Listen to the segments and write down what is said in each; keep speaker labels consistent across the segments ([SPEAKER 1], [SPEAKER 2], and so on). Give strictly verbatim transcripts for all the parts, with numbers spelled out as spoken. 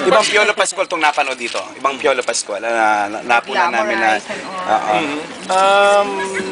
[SPEAKER 1] Ibang Piolo Pascual itong napanood dito. Ibang Piolo Pascual na, na napuna namin na... Oo.
[SPEAKER 2] Mhm. Um,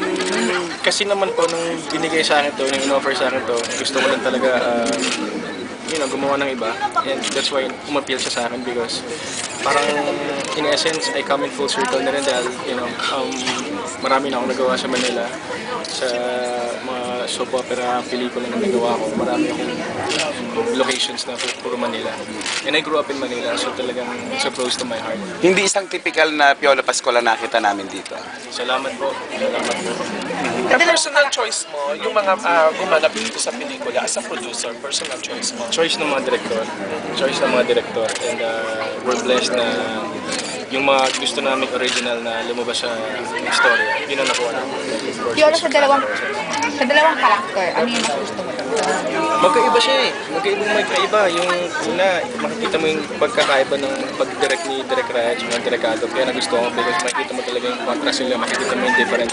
[SPEAKER 2] kasi naman po, nung binigay sa akin to, nung in-offer sa akin to, gusto ko lang talaga, uh, you know, gumawa ng iba. And that's why umappeal siya sa akin because parang in essence, I come in full circle na rin dahil, you know, um, marami na akong nagawa sa Manila. Sa mga soap opera, pelikula na nagawa ko, marami akong um, locations na puro Manila. And I grew up in Manila, so talagang so close to my heart.
[SPEAKER 1] Hindi isang typical na Piolo Pascual na nakita namin dito.
[SPEAKER 2] Salamat po. Salamat po.
[SPEAKER 3] Yung personal choice mo, yung mga uh, gumanap dito sa pelikula as a producer, personal choice mo.
[SPEAKER 2] Choice ng mga direktor. Choice ng mga direktor. And uh, we're blessed na yung mga gusto namin original na lumabas sa istorya, yun ang nakuha namin.
[SPEAKER 4] Piolo, sa dalawang, sa dalawang karakter, ano yung mas gusto mo?
[SPEAKER 2] Magkaiba siya eh. Magkaibang magkaiba. Yung una, makikita mo yung pagkakaiba ng pag-direct ni Direk Raya at yung Direk Ado. Kaya nagustuhan ko because makikita mo talaga yung contrast nila, makikita mo yung difference.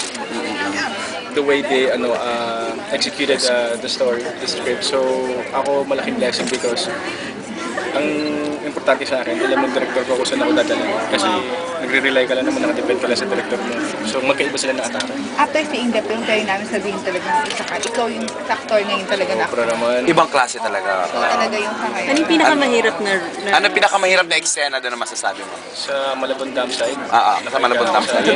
[SPEAKER 2] The way they ano uh, executed uh, the story, the script. So ako malaking blessing because ang importante sa akin, alam ng director ko kung saan ako dadala. Kasi nagre-rely ka lang naman, nakadepend ka lang sa director mo. So magkaiba sila ng atake.
[SPEAKER 4] After seeing the film, kayo namin sabihin talagang isa ka. Ikaw yung actor ngayon talaga na.
[SPEAKER 2] Pero naman,
[SPEAKER 1] Ibang klase talaga.
[SPEAKER 4] Ikaw talaga yung sa ngayon.
[SPEAKER 5] Ano yung pinakamahirap na... na
[SPEAKER 1] Ano pinakamahirap na eksena doon na masasabi mo?
[SPEAKER 2] sa Malabon Dam side,
[SPEAKER 1] Ah, ah, sa Malabon Dam side.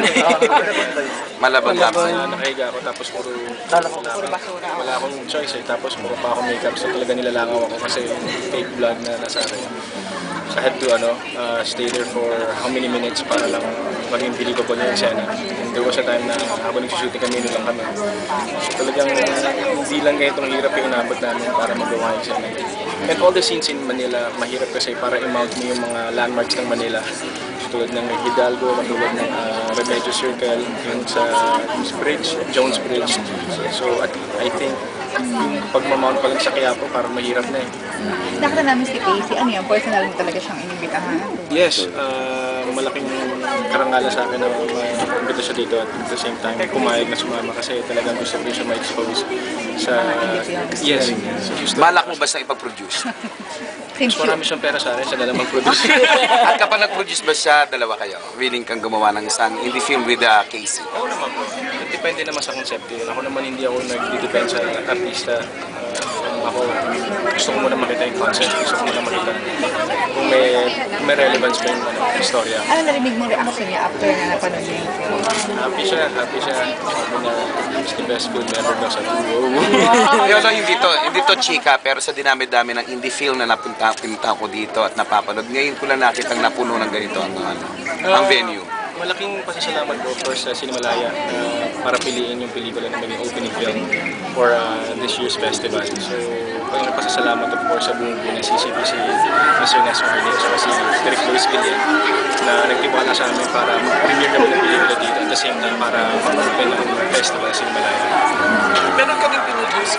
[SPEAKER 1] Malabon Dam side.
[SPEAKER 2] na nakahiga ako tapos puro
[SPEAKER 4] Puro basura.
[SPEAKER 2] wala akong choice eh. Tapos puro pa ako makeup so talaga nilalangaw ako kasi fake blood na nasa akin. So I had to ano, uh, stay there for how many minutes para lang maging believable yung eksena. And there was a time na habang nagsushooting kami, lang kami. So talagang hindi lang ganitong hirap yung inabot namin para magawa yung eksena. And all the scenes in Manila, mahirap kasi para i-mount mo yung mga landmarks ng Manila. Tulad ng Hidalgo, tulad ng uh, Remedios Circle, yung sa Jones Bridge, Jones Bridge. So at, I think yung pagmamount pa lang sa Quiapo, parang mahirap na eh.
[SPEAKER 4] Nakita namin si Casey, ano yan, personal mo talaga siyang inibitahan.
[SPEAKER 2] Yes, uh, malaking karangalan sa akin na ma-imbita siya dito at at the same time pumayag na sumama kasi talagang gusto ko rin siya ma-expose sa... Yes, sa Houston.
[SPEAKER 1] Balak mo ba siyang ipag-produce?
[SPEAKER 4] Thank
[SPEAKER 2] Mas
[SPEAKER 4] you.
[SPEAKER 2] marami siyang pera sa akin, siya na lang mag-produce.
[SPEAKER 1] At kapag nag-produce ba siya, dalawa kayo? Willing kang gumawa ng isang indie film with uh, Casey?
[SPEAKER 2] Oo naman po. Depende naman sa concept yun. Ako naman hindi ako nag-depend sa artista. Uh, ako, gusto ko muna makita yung concept. Gusto ko muna makita kung may, kung may relevance ba yung ano, istorya.
[SPEAKER 4] Ano narinig mong reaction niya after na napanood niya yung film?
[SPEAKER 2] Happy siya, happy siya. Sabi niya, it's the best film ever daw. Sabi ko, wow.
[SPEAKER 1] Pero hindi to, hindi to chika, pero sa dinami-dami ng indie film na napunta, pinunta ko dito at napapanood, ngayon ko lang nakitang napuno ng ganito ang, ano, ang venue.
[SPEAKER 2] Malaking pasasalamat ko of course sa Cinemalaya uh, para piliin yung pelikula na maging opening film for uh, this year's festival. So, ang pasasalamat of course sa buong buong C C P C, Mister Nes Marlin, at si Direk Luis Villen na nagtiwala sa amin para mag-premiere kami ng pelikula dito at the same time para mag-open ng festival sa Cinemalaya.
[SPEAKER 3] Meron kami pinuduce.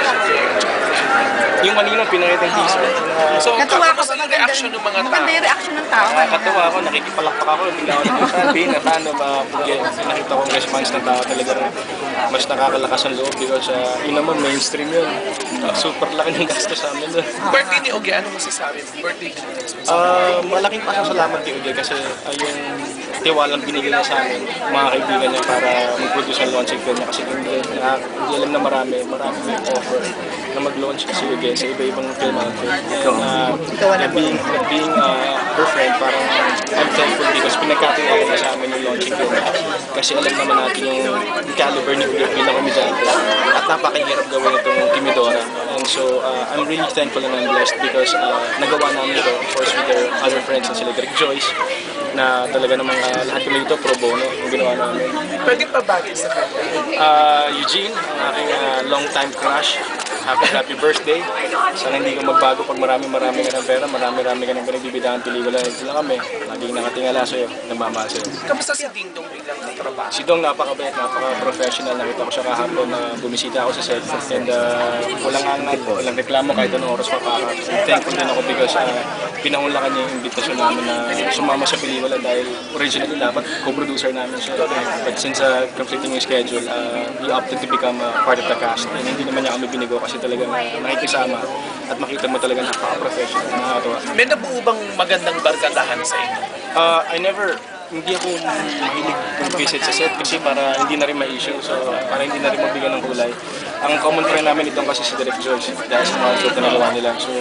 [SPEAKER 2] Yung kanina pinakita yung teaser. Uh,
[SPEAKER 3] So,
[SPEAKER 4] Natuwa
[SPEAKER 3] kamusta
[SPEAKER 4] ako,
[SPEAKER 3] ang reaction ng mga tao?
[SPEAKER 4] Maganda yung reaction ng tao.
[SPEAKER 2] Nakakatawa ako, nakikipalakpak ako, bigla ako nagsasabi na paano ba, nakita ko ang response ng tao talaga mas nakakalakas ang loob because uh, yun naman mainstream yun. Uh, super laki ng gasto sa amin doon.
[SPEAKER 3] Birthday ni Ogie, ano masasabi mo? Birthday ni Ogie.
[SPEAKER 2] Uh, malaking pasasalamat kay Uday kasi uh, yung tiwalang binigay niya sa amin, mga kaibigan niya para mag-produce ang launching film niya kasi hindi, na, hindi alam na marami, marami may offer na mag-launch kasi Uday sa iba-ibang film outfit. Uh, na being, na being uh, her friend, parang I'm thankful because pinagkatiwala niya sa amin yung launching film niya. Kasi alam naman natin yung caliber ni Uday bilang komedyante at napakahirap gawin itong Timidora. And so uh, I'm really thankful and I'm blessed because uh, nagawa namin ito, of course, with their other friends na sila Direk Joyce, na talaga namang uh, lahat kami dito pro bono yung ginawa namin.
[SPEAKER 3] Pwede pa bagay sa kanya.
[SPEAKER 2] Uh, Eugene, ang aking uh, long time crush, happy happy birthday. Sana hindi ka magbago pag marami-marami ka ng pera, marami-marami ka ng pinagbibidaan pelikula. Ito lang kami. Lagi laging nakatingala sa'yo, namamahal sa'yo.
[SPEAKER 3] Kamusta si Ding Dong bilang katrabaho?
[SPEAKER 2] Si Dong napakabait, napaka-professional. Nakita ko siya kahapon na bumisita ako sa set. And uh, walang angat, walang reklamo kahit anong oras mapaka. Thankful din ako because uh, pinangunlakan niya yung invitation namin na sumama sa pelikula dahil originally dapat co-producer namin siya. But since uh, conflicting yung schedule, uh, he opted to become uh, part of the cast. And hindi naman niya kami binigo kasi talagang nakikisama at makita mo talaga napaka-professional. Nakakatawa.
[SPEAKER 3] May nabuo bang magandang barkadahan sa inyo?
[SPEAKER 2] Uh, I never, hindi ako mahilig mag-visit sa set kasi para hindi na rin ma-issue, so para hindi na rin mabigyan ng kulay. Ang common friend namin itong kasi si Direk Joyce dahil sa mga show na nagawa nila. So,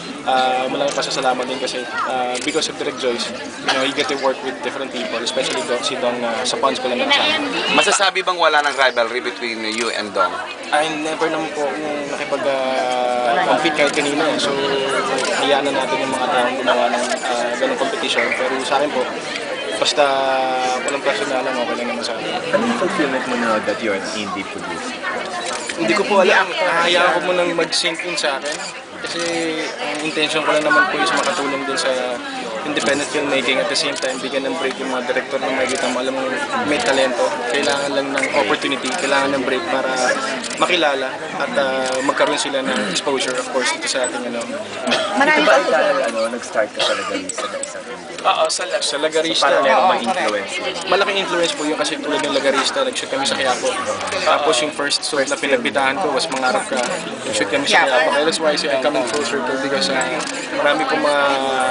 [SPEAKER 2] uh, malamang pasasalamat din kasi uh, because of Direk Joyce, you know, you get to work with different people, especially Dong, si Dong uh, sa Pons ko lang nakasama.
[SPEAKER 1] Masasabi bang wala ng rivalry between you and Dong?
[SPEAKER 2] I never naman po akong nakipag-compete kahit kanina. eh. So, hayaan na natin yung mga taong gumawa ng uh, ganong competition. Pero sa akin po, basta walang personalan, okay lang naman sa akin.
[SPEAKER 5] Ano yung fulfillment mo na that you're an indie producer?
[SPEAKER 2] Hindi ko po alam. Hayaan ko munang mag-sink in sa akin. Kasi ang intention ko lang naman po is makatulong din sa independent filmmaking at the same time bigyan ng break yung mga director na makikita mo alam mo may talento. Kailangan lang ng opportunity, kailangan ng break para makilala at uh, magkaroon sila ng exposure of course dito sa ating ano.
[SPEAKER 4] Marami
[SPEAKER 5] Ito
[SPEAKER 4] pa
[SPEAKER 5] ba dahil ano, nag-start ka sa Lagarista na isang indie?
[SPEAKER 3] Oo, sa last.
[SPEAKER 2] Sa Lagarista,
[SPEAKER 5] Parang
[SPEAKER 4] Oo,
[SPEAKER 5] may influence.
[SPEAKER 2] malaking influence po yung kasi tulad ng Lagarista, nag-shoot kami sa Quiapo. Tapos yung first soap na pinagbitahan ko was Mangarap Ka. Nag-shoot kami sa Quiapo. Kaya that's why I say I come in full circle because uh, marami pong mga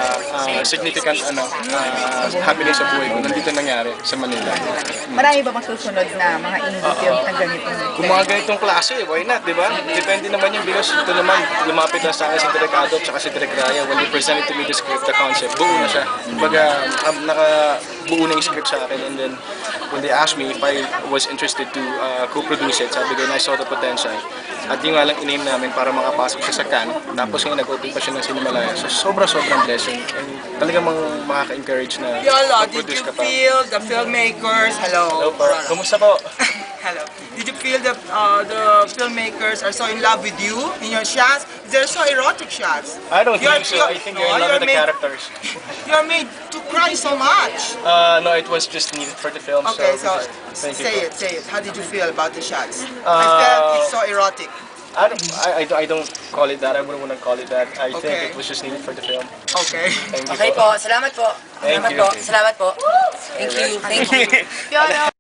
[SPEAKER 2] uh, significant ano, uh, happening sa buhay ko. Nandito nangyari sa Manila.
[SPEAKER 4] Marami ba masusunod na mga indie films na ganitong
[SPEAKER 2] Kung mga ganitong klase, why not, di ba? Depende naman yung because ito naman, lumapit na sa akin si Direk Adop at si Direk Raya. When they presented to me the script, the concept, buo na siya. Kumbaga, um, nakabuo na yung script sa akin. And then, when they asked me if I was interested to uh, co-produce it, sabi ko na I saw the potential. At yung nga lang in-aim namin para makapasok siya sa Cannes. Tapos ngayon nag-open pa siya ng Cinemalaya. So, sobra-sobrang blessing. And talagang mga makaka-encourage na
[SPEAKER 6] Yolo, did
[SPEAKER 2] mag-produce
[SPEAKER 6] you
[SPEAKER 2] ka pa.
[SPEAKER 6] feel the filmmakers? Hello.
[SPEAKER 2] Hello po. Kumusta po?
[SPEAKER 6] Hello. Did you feel the uh, the filmmakers are so in love with you in your shots? They're so erotic shots.
[SPEAKER 2] I don't
[SPEAKER 6] You're-
[SPEAKER 2] think so.
[SPEAKER 6] you're-
[SPEAKER 2] I think you're in
[SPEAKER 6] oh,
[SPEAKER 2] love
[SPEAKER 6] you're
[SPEAKER 2] with the
[SPEAKER 6] made-
[SPEAKER 2] characters.
[SPEAKER 6] You're made to cry so much.
[SPEAKER 2] Uh, no, it was just needed for the film.
[SPEAKER 6] Okay,
[SPEAKER 2] so,
[SPEAKER 6] so
[SPEAKER 2] thank you.
[SPEAKER 6] say it, say it. How did you feel about the shots? I
[SPEAKER 2] Uh,
[SPEAKER 6] felt it's so erotic.
[SPEAKER 2] I don't, I, I, don't- I don't call it that. I wouldn't want to call it that. I
[SPEAKER 6] Okay.
[SPEAKER 2] think it was just needed for the film.
[SPEAKER 6] Okay.
[SPEAKER 2] Thank you
[SPEAKER 7] Okay po, salamat po.
[SPEAKER 2] Thank
[SPEAKER 7] Salamat
[SPEAKER 2] you.
[SPEAKER 7] po. Salamat po. Thank you. Thank you.
[SPEAKER 4] Fiona,